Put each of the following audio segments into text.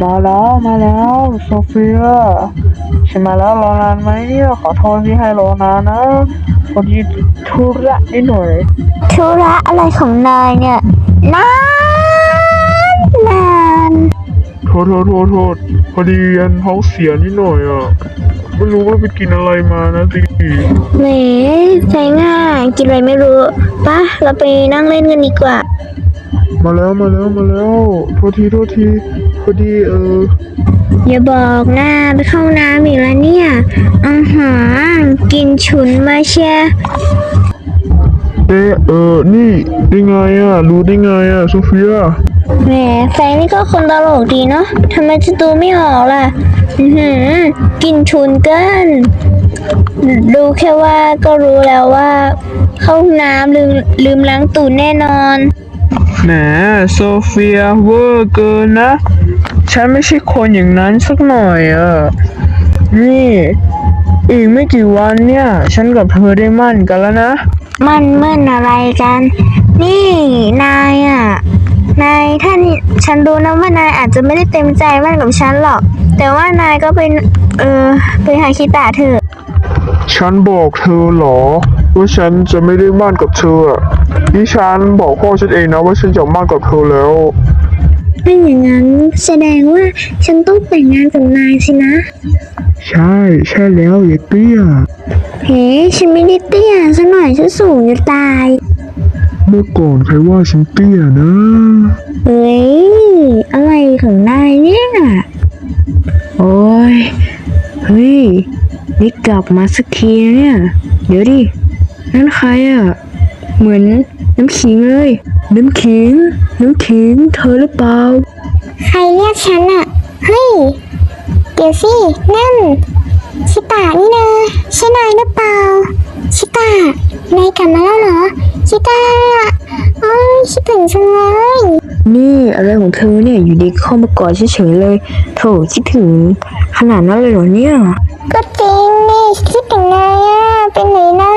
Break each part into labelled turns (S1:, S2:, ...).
S1: มาแล้วโซเฟียฉันมาแล้วรอนานไหมเนี่ยขอโทษที่ให้รอนานนะพอดีธุระนิดหน่อย
S2: ธุระอะไรของนายเนี่ยนานนาน
S1: โทษพอดียันท้องเสียนิดหน่อยอ่ะไม่รู้ว่าไปกินอะไรมานะสิ
S2: แหมใจง่ายกินอะไรไม่รู้ปะเราไปนั่งเล่นกันดีกว่า
S1: มาแล้วโทษทีพอดี
S2: อย่าบอกนะไปเข้าน้ำอีกแล้วเนี่ยกินฉุนมาเชีย
S1: นี่ได้ไงอ่ะรู้ได้ไงอ่ะโซเฟีย
S2: แหมแฟนนี่ก็คนตลกดีเนาะทำไมจะดูไม่ออกล่ะกินฉุนเกินดูแค่ว่าก็รู้แล้วว่าเข้าน้ำลืมล้างตูดแน่นอน
S1: แหมโซเฟียเวอร์เกินนะฉันไม่ใช่คนอย่างนั้นสักหน่อยนี่อีกไม่กี่วันเนี่ยฉันกับเธอได้มั่นกันแล้วนะ
S2: มั่นอะไรกันนี่นายท่านฉันรู้นะว่านายอาจจะไม่ได้เต็มใจมั่นกับฉันหรอกแต่ว่านายก็ไปหาคิตะเถอะ
S1: ฉันบอกเธอเหรอว่าฉันจะไม่ได้มั่นกับเธอนี่ฉันบอกพ่อฉันเองนะว่าฉันจะมั่นกับเธอแล้ว
S2: ถ้าอย่างนั้นแสดงว่าฉันต้องแต่งงานกับนายสินะ
S1: ใช่แล้วอย่าเตี้ย
S2: เฮ้ฉันไม่ได้เตี้ยซะหน่อยฉันสูงจะตาย
S1: เมื่อก่อนใครว่าฉันเตี้ยนะ
S2: เฮ้ยอะไรของนายเนี่ย
S3: โอ้ยเฮ้ยนี่กลับมาสักทีเนี่ยเดี๋ยวดินั่นใครเหมือนน้ำขิงเลยน้ำขิงเธอหรือเปล่า
S2: ใครเรียกฉันเฮ้ยเดี๋ยวสินั่นชิตานี่นะใช่นายหรือเปล่าชิตานายกลับมาแล้วเหรอชิตาคิดถึงจังเลย
S3: นี่อะไรของเธอเนี่ยอยู่ดีเข้ามากอดเฉยๆเลยโถคิดถึงขนาดนั้นเลยเหรอเนี่ย
S2: ก็จริงนี่คิดถึงนายเป็นไหนนะ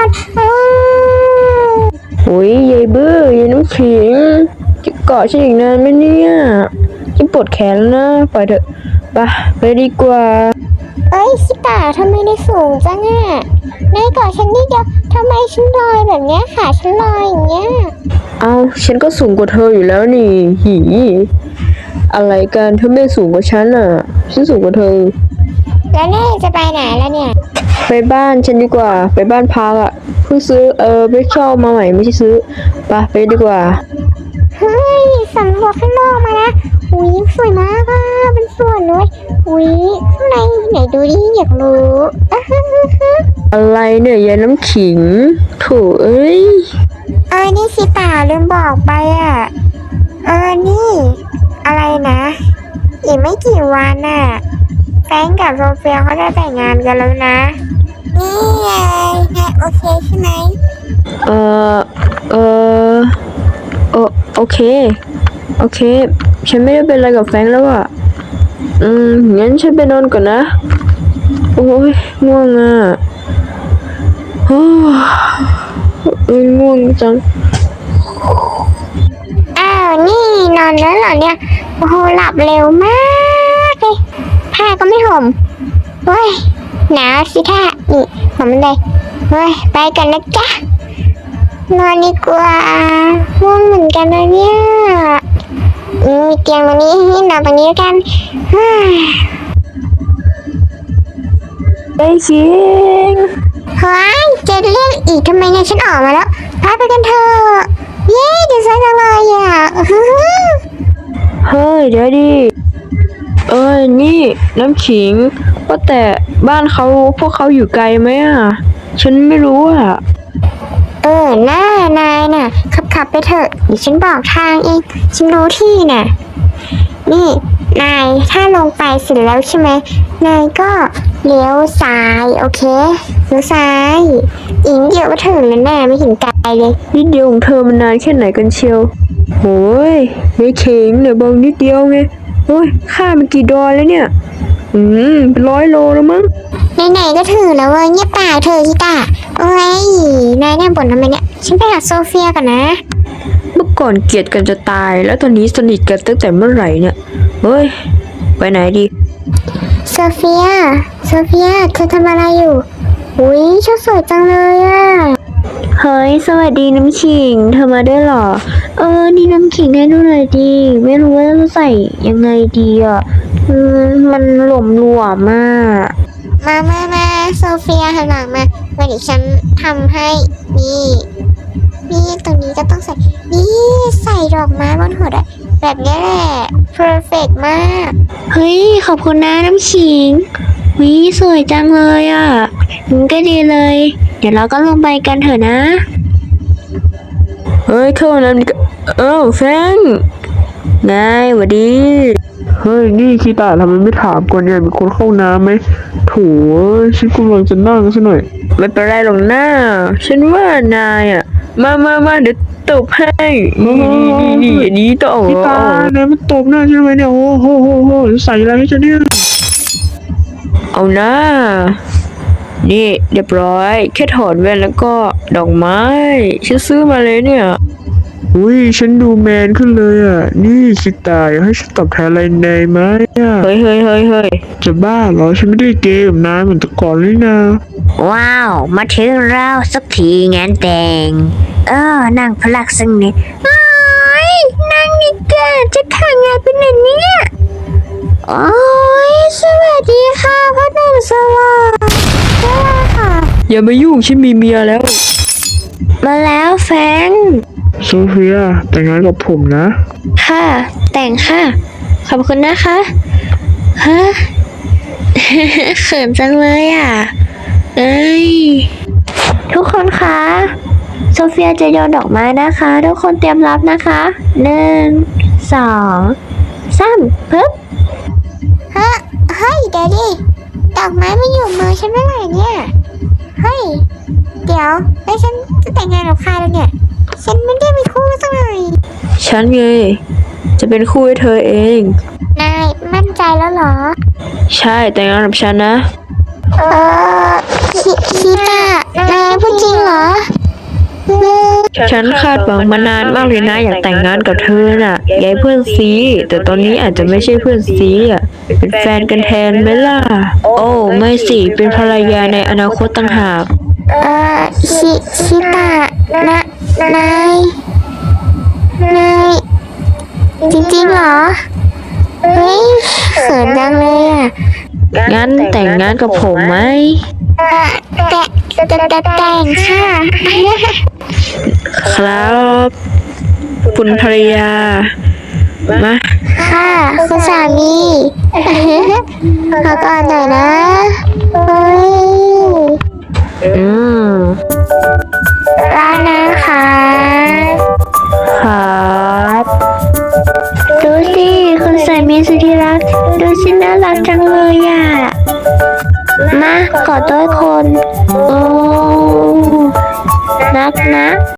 S3: โอ้ยยายบื้อยายน้ำขิงจะเกาะฉันอีกนานไหมเนี่ยฉันปวดแขนแล้วนะปล่อยเถอะไปดีกว่า
S2: ชิตาทำไมได้สูงจังนายกอดฉันนิดเดียวทำไมฉันลอยแบบเนี้ยขาฉันลอยอย่างเงี้ย
S3: เอาฉันก็สูงกว่าเธออยู่แล้วนี่อะไรกันเธอไม่สูงกว่าฉันฉันสูงกว่าเธอ
S2: แล้วนี่จะไปไหนแล้วเนี่ย
S3: ไปบ้านฉันดีกว่าไปบ้านพักเพิ่งซื้อไปเช่ามาใหม่ไม่ใช่ซื้อไปดีกว่า
S2: เฮ้ยสำรวจข้างนอกมานะอุ้ยสวยมากเป็นสวนเลยอุ้ยข้างในไหนดูดิอยากรู้
S3: อะไรเนี่ยยายน้ำขิงโถเอ้ย
S2: นี่สิตาลืมบอกไปนี่อะไรนะอีกไม่กี่วันแฟนกับโซเฟียเขาจะแต่งงานกันแล้วนะนี่ไงโอเคใช่ไหม
S3: โอเคฉันไม่ได้เป็นอะไรกับแฟนแล้วงั้นฉันไปนอนก่อนนะโอ้ยง่วงง่วงจัง
S2: นี่นอนแล้วเหรอเนี่ยโอ้โหหลับเร็วมากเลยผ้าก็ไม่ห่มเฮ้ยหนาวสิท่านี่ห่มเลยเฮ้ยไปกันนะจ๊ะนอนดีกว่าง่วงเหมือนกันนะเนี่ยมีเตียงตรงนี้ให้นอนตรงนี้กัน
S3: ไอ้ชิง
S2: เฮ้ยจะเรียกอีกทำไมเนี่ยฉันออกมาแล้วพาไปกันเถอะเย้ดีใจจังเลย
S3: เฮ้ยเดี๋ยวดินี่น้ำขิงว่าแต่บ้านพวกเขาอยู่ไกลไหมฉันไม่รู้
S2: นายน่ะขับไปเถอะเดี๋ยวฉันบอกทางเองฉันรู้ที่น่ะนี่นายถ้าลงไปเสร็จแล้วใช่ไหมนายก็เลี้ยวซ้ายโอเคเลี้ยวซ้ายอีกเดียวก็ถึงแล้วไม่ถึงไกลเลย
S3: นิดเดียวของเธอมันนานแค่ไหนกันเชียวโอ้ยไม่เข่งเดี๋ยวบอกนิดเดียวไงโอ้ยค่ามันกี่ดอลแล้วเนี่ยเป็น100 โลแล้วมั้ง
S2: ไหนก็ถึงแล้วเงียบปากเธอชิตาโอ้ยนายบ่นทำไมเนี่ยฉันไปหาโซเฟียก่อนนะ
S3: เมื่อก่อนเกลียดกันจะตายแล้วตอนนี้สนิทกันตั้งแต่เมื่อไหร่เนี่ยเฮ้ยไปไหนดี
S2: โซเฟีย โซเฟีย เธอทำอะไรอยู่ อุ้ยชุดสวยจังเลยอ่ะ
S3: เฮ้ย สวัสดีน้ำขิง เธอมาด้วยเหรอ นี่น้ำขิงให้ดูหน่อยดี ไม่รู้ว่าจะใส่ยังไงดีอ่ะ มันหลวมๆมาก
S2: มาโซเฟียหันหลังมาเดี๋ยวฉันทำให้ นี่ตรงนี้ก็ต้องใส่ นี่ใส่ดอกไม้บนหัวด้วยแบบนี้แหละ perfect มาก
S3: เฮ้ย ขอบคุณนะน้ำขิงวิสวยจังเลยอ่ะมันก็ดีเลย เดี๋ยวเราก็ลงไปกันเถอะนะ เฮ้ยเข้าน้ำแฟงไงหวัดดี
S1: เฮ้ย นี่คีตาทำไมไม่ถามก่อนเนี่ยมีคนเข้าน้ำไหมโถฉันกำลังจะนั่งซะหน่อย
S3: ไม่เป็นไรหรอกหน้า ฉันว่านายอ่ะ มาเดี๋ยวตบให้นี่อันนี้ต่อ
S1: คีตาเนี่ยมันตบหน้าฉันทำไมเนี่ยโอ้โหใส่อะไรให้ฉันเนี่ย
S3: เอาหน้า นี่เรียบร้อย แค่ถอดแว่นแล้วก็ดอกไม้ ฉันซื้อมาเลยเนี่ย
S1: อุ้ยฉันดูแมนขึ้นเลยอ่ะ นี่คีตาอยากให้ฉันตอบแทนอะไรนายไหมอ่ะ
S3: เฮ้ย
S1: จะบ้าเหรอฉันไม่ได้เกย์กับนายเหมือนแต่ก่อนเลยนะ
S3: ว้าว มาถึงเราสักทีงานแต่ง นั่งพลักสักนิดโอ้ยนั่งนี่แกจะทำงานเป็นไหนเนี่ยโอ้ยสวัสดีค่ะพ่อหนุ่มสวัสดีค่ะ อย่ามายุ่งฉันมีเมียแล้ว มาแล้วแฟง
S1: โซเฟียแต่งงานกับผมนะ
S3: ค่ะ แต่งค่ะ ขอบคุณนะคะ ฮะ เขินจังเลยอ่ะ เอ้ย ทุกคนคะ โซเฟียจะโยนดอกไม้นะคะ ทุกคนเตรียมรับนะคะ 1 2 3ปึ๊บ
S2: เฮ้ยเดี๋ยวดิ ดอกไม้ไม่อยู่มือฉันเมื่อไหร่เนี่ย เฮ้ย เดี๋ยวแล้วฉันจะแต่งงานกับใครแล้วเนี่ย ฉันไม่ได้มีคู่สักหน่อย
S3: ฉันไง จะเป็นคู่ให้เธอเอง
S2: นายมั่นใจแล้วเหรอ
S3: ใช่แต่งงานกับฉันนะ
S2: คิดอะนายพูดจริงเหรอ
S3: ฉันคาดหวังมานานมากเลยนะ อยากแต่งงานกับเธอน่ะยายเพื่อนซีแต่ตอนนี้อาจจะไม่ใช่เพื่อนซีอ่ะ เป็นแฟนกันแทนไหมล่ะ โอ้ไม่สิ เป็นภรรยาในอนาคตต่างหาก
S2: คิดอะนายจริงๆเหรอ เฮ้ยเขินจังเลยอ่ะ
S3: งั้นแต่งงานกับผมไหม
S2: แต่งค่ะ
S3: ครับ คุณภรรยา มา
S2: ค่ะคุณสามีขอก่อนหน่อยนะเฮ้ย ร้านนะคะ
S3: ครับ ดูสิคุณสามีสุดที่รัก ดูสิน่ารักจังเลยอ่ะ มากอดด้วยคน โอ้ นักนะ